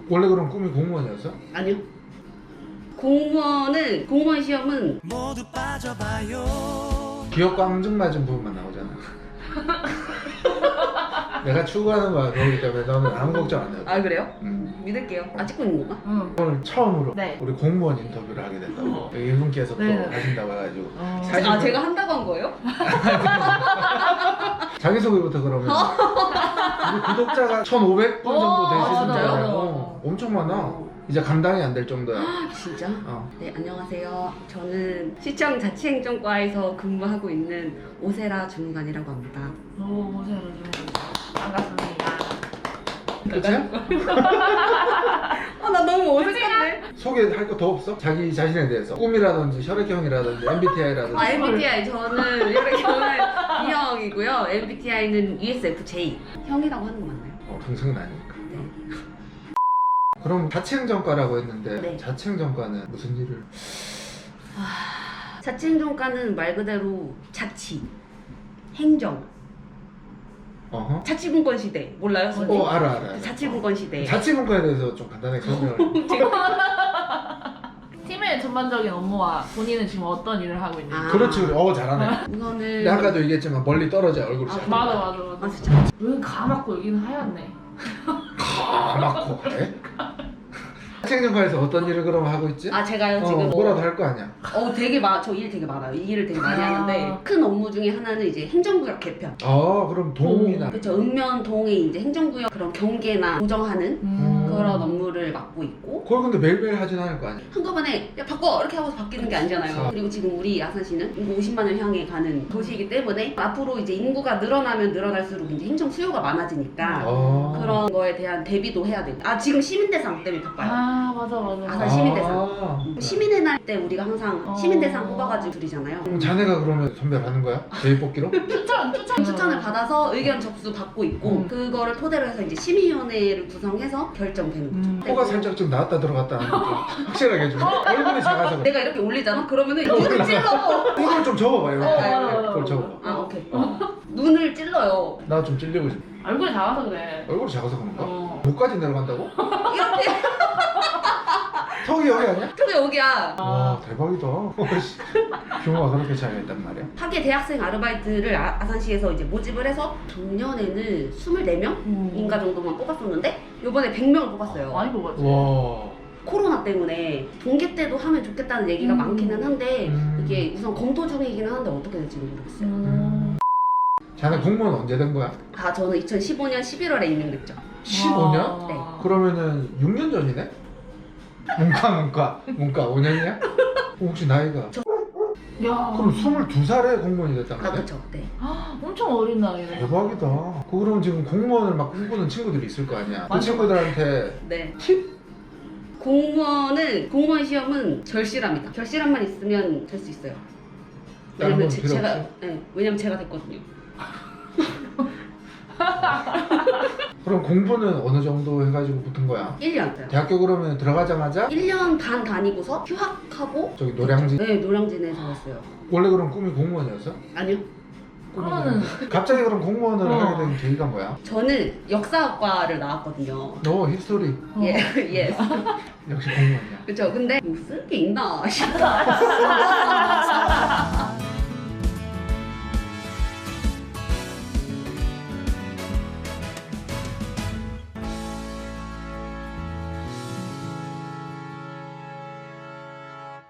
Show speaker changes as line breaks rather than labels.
원래 그럼 꿈이 공무원이었어?
아니요. 공무원 시험은
모두 빠져봐요.
기업 강증 맞은 부분만 나오잖아. 내가 추구하는 거야 그거기 때문에 너는 아무 걱정 안 해도 돼.
아 그래요? 믿을게요. 아 찍고 있는 건가?
응.
오늘 처음으로
네.
우리 공무원 인터뷰를 하게 됐다고 여기 이분께서 또
네.
하신다고 해가지고
아 제가 한다고 한 거예요?
자기소개부터 그러면 우리 구독자가 1,500분 정도 되시는데
맞아요.
엄청 많아. 이제 감당이 안 될 정도야.
진짜?
어.
네 안녕하세요. 저는 시청 자치행정과에서 근무하고 있는 오세라 주무관이라고 합니다.
오, 오세요. 반갑습니다.
끝이야?
아 나 너무 어색한데?
소개할 거 더 없어? 자기 자신에 대해서 꿈이라든지 혈액형이라든지 MBTI라든지
아 MBTI 저는 혈액형은 B형이고요. MBTI는 ESFJ. 형이라고 하는 거 맞나요?
동생은 아니니까.
네.
그럼 자치행정과라고 했는데
네.
자치행정과는 무슨 일을?
자치행정과는 말 그대로 자치, 행정,
어허.
자치분권 시대 몰라요? 선생님?
알아.
자치분권 시대.
자치분과에 대해서 좀 간단하게 설명을.
팀의 전반적인 업무와 본인은 지금 어떤 일을 하고 있는지.
아.
그렇지 그래. 잘하네.
우선은
근데 아까도 얘기했지만 멀리 떨어져 얼굴이. 잘
맞아.
아 진짜?
여긴 가맣고 여기는 하얗네.
가맣고 그래? 자치행정과에서 어떤 일을 그럼 하고 있지?
아 제가요 지금
뭐라도 할 거 아니야.
되게 저 일 되게 많아요. 이 일을 되게 많이
아.
하는데 큰 업무 중에 하나는 이제 행정구역 개편.
그럼 동이나.
그렇죠. 읍면동에 이제 행정구역 그런 경계나 조정하는 그런 업무를 맡고 있고
그걸 근데 매일매일 하진 않을 거 아니야.
한꺼번에 야 바꿔 이렇게 하고서 바뀌는 게 아니잖아요.
그쵸.
그리고 지금 우리 아산시는 인구 50만을 향해 가는 도시이기 때문에 앞으로 이제 인구가 늘어나면 늘어날수록 이제 행정 수요가 많아지니까 그런 거에 대한 대비도 해야 되고 지금 시민대상 때문에 바빠요.
아 맞아.
아산 시민대상. 시민의 날 때 우리가 항상 시민대상 뽑아가지고 드리잖아요.
그럼 자네가 그러면 선별하는 거야? 제일 뽑기로?
추천을 받아서 의견 접수 받고 있고 그거를 토대로 해서 이제 심의위원회를 구성해서 결정되는 거죠.
코가 살짝 좀 나왔다 들어갔다 하는 거 좀 확실하게 해주고 얼굴이 작아서 그래.
내가 이렇게 올리잖아? 그러면은 눈을 찔러.
이걸 좀 접어봐 이렇게.
맞아.
그걸 접어봐.
오케이. 눈을 찔러요.
나 좀 찔리고 싶어.
얼굴이 작아서 그래.
얼굴이 작아서 그런가?
어.
목까지 내려간다고?
이렇게.
턱이 여기 아니야?
저게 여기야.
와 대박이다. 규모가 그렇게 차이가 있단 말이야.
하계 대학생 아르바이트를 아산시에서 이제 모집을 해서 작년에는 24명인가 정도만 뽑았었는데 요번에 100명을 뽑았어요.
많이 뽑았지.
와.
코로나 때문에 동계 때도 하면 좋겠다는 얘기가 많기는 한데 이게 우선 검토 중이기는 한데 어떻게 될지는 모르겠어요.
자네 공무원 언제 된 거야?
저는 2015년 11월에 임명됐죠.
15년?
네.
그러면은 6년 전이네? 문과 5년이야? 혹시 나이가?
야.
그럼 22살에 공무원이 됐다는 거야?
그쵸. 네.
엄청 어린 나이네.
대박이다. 그럼 지금 공무원을 막 꿈꾸는 친구들이 있을 거 아니야? 그
맞아.
네.
친구들한테 팁?
공무원 시험은 절실합니다. 절실함만 있으면 될 수 있어요.
다른
왜냐면
건 필요 없어?
왜냐면 제가 됐거든요.
그럼 공부는 어느 정도 해가지고 붙은 거야?
1년.
대학교 그러면 들어가자마자
1년 반 다니고서 휴학하고
저기 노량진?
네, 노량진에서 했어요.
원래 그럼 꿈이 공무원이었어?
아니요.
그러면은
갑자기 그럼 공무원을 하게 된 계기가 뭐야?
저는 역사학과를 나왔거든요.
너 히스토리
예.
역시 공무원이야.
그쵸. 근데 뭐 쓸 게 있나 싶어.